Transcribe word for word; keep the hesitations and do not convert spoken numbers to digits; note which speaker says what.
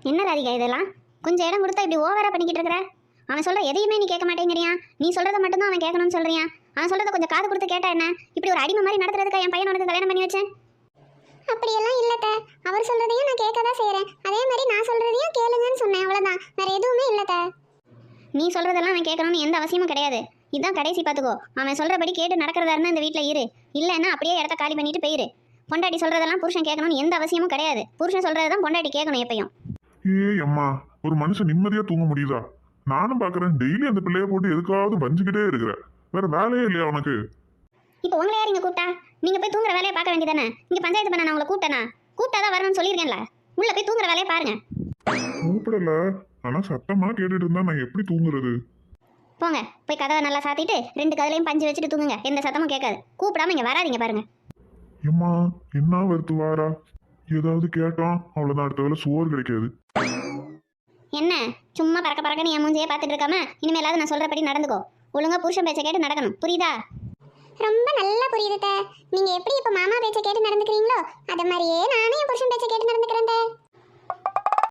Speaker 1: என்ன ராதிகா இதெல்லாம்? கொஞ்சம் இடம் கொடுத்தா இப்படி ஓவரா பண்ணிக்கிட்டு இருக்கிற. அவன் சொல்ற எதையுமே நீ கேட்க மாட்டேங்கிறியா? நீ சொல்றத மட்டும் தான் அவன் கேட்கணும்னு சொல்றியா? அவன் சொல்றத கொஞ்சம் காது கொடுத்து கேட்டா என்ன? இப்படி ஒரு அடிமை மாதிரி நடத்துறதுக்கா என் பையன் உனக்கு கல்யாணம் பண்ணி வச்சேன்?
Speaker 2: அப்படியெல்லாம் இல்லத்த. அவர் சொல்றதையும் நான் கேட்க தான் செய்யறேன். அதே மாதிரி நான் சொல்றதையும் கேளுங்கன்னு சொன்னேன், அவ்வளவுதான். வேற எதுவுமே இல்லத்த.
Speaker 1: நீ சொல்றதெல்லாம் அவன் கேட்கணும்னு எந்த அவசியமும் கிடையாது. இதான் கடைசி பார்த்துக்கோ. அவன் சொல்றபடி கேட்டு நடக்கிறதா இருந்தா இந்த வீட்டில் இரு, இல்லைன்னா அப்படியே இடத்த காலி பண்ணிட்டு போயிரு. பொண்டாட்டி சொல்றதெல்லாம் புருஷன் கேட்கணும்னு எந்த அவசியமும் கிடையாது. புருஷன் சொல்றதான் பொண்டாட்டி கேட்கணும் எப்பயும்.
Speaker 3: ஏய் அம்மா, ஒரு மனுஷன் நிம்மதியா தூங்க முடியுதா? நானும் பாக்குறேன், டெய்லி அந்த பிள்ளைய போட்டு எதுக்காவது வஞ்சுக்கிட்டே இருக்கிற. வேற வேலையே இல்லையா உனக்கு?
Speaker 1: இப்போ உங்களை யார் இங்க கூப்பிட்டா? நீங்க போய் தூங்குற வேலையை பார்க்க வேண்டியதானே? இங்க பஞ்சாயத்து பண்ண நான் உங்களை கூப்பிட்டேனா? கூப்பிட்டாதான் வரணும்னு சொல்லியிருக்கேன்ல. உள்ள போய் தூங்குற வேலையை பாருங்க.
Speaker 3: கூப்பிடல, ஆனா சத்தமா கேட்டுட்டு இருந்தா நான் எப்படி தூங்குறது?
Speaker 1: போங்க, போய் கதவை நல்லா சாத்திட்டு ரெண்டு கதலையும் பஞ்சு வச்சுட்டு தூங்குங்க. எந்த சத்தமும் கேட்காது. கூப்பிடாம இங்க வராதீங்க பாருங்க.
Speaker 3: எம்மா, என்ன வருத்து வாரா? ஏதாவது கேட்டோம் அவ்வளவுதான், அடுத்த வேலை சோறு கிடைக்காது.
Speaker 1: என்ன சும்மா பறக்க பறக்கன்னு என் மூஞ்சியே பார்த்துட்டு இருக்காம இனிமேலாவது நான் சொல்றபடி நடந்துக்கோ. ஒழுங்கா புருஷன் பேச்சை கேட்டு நடக்கணும், புரியுதா?
Speaker 2: ரொம்ப நல்லா புரியுதுத்த. நீங்க எப்படி இப்ப மாமா பேச்ச கேட்டு நடந்துக்கிறீங்களோ அத மாதிரியே நானே என் புருஷன் பேச்ச கேட்டு நடந்து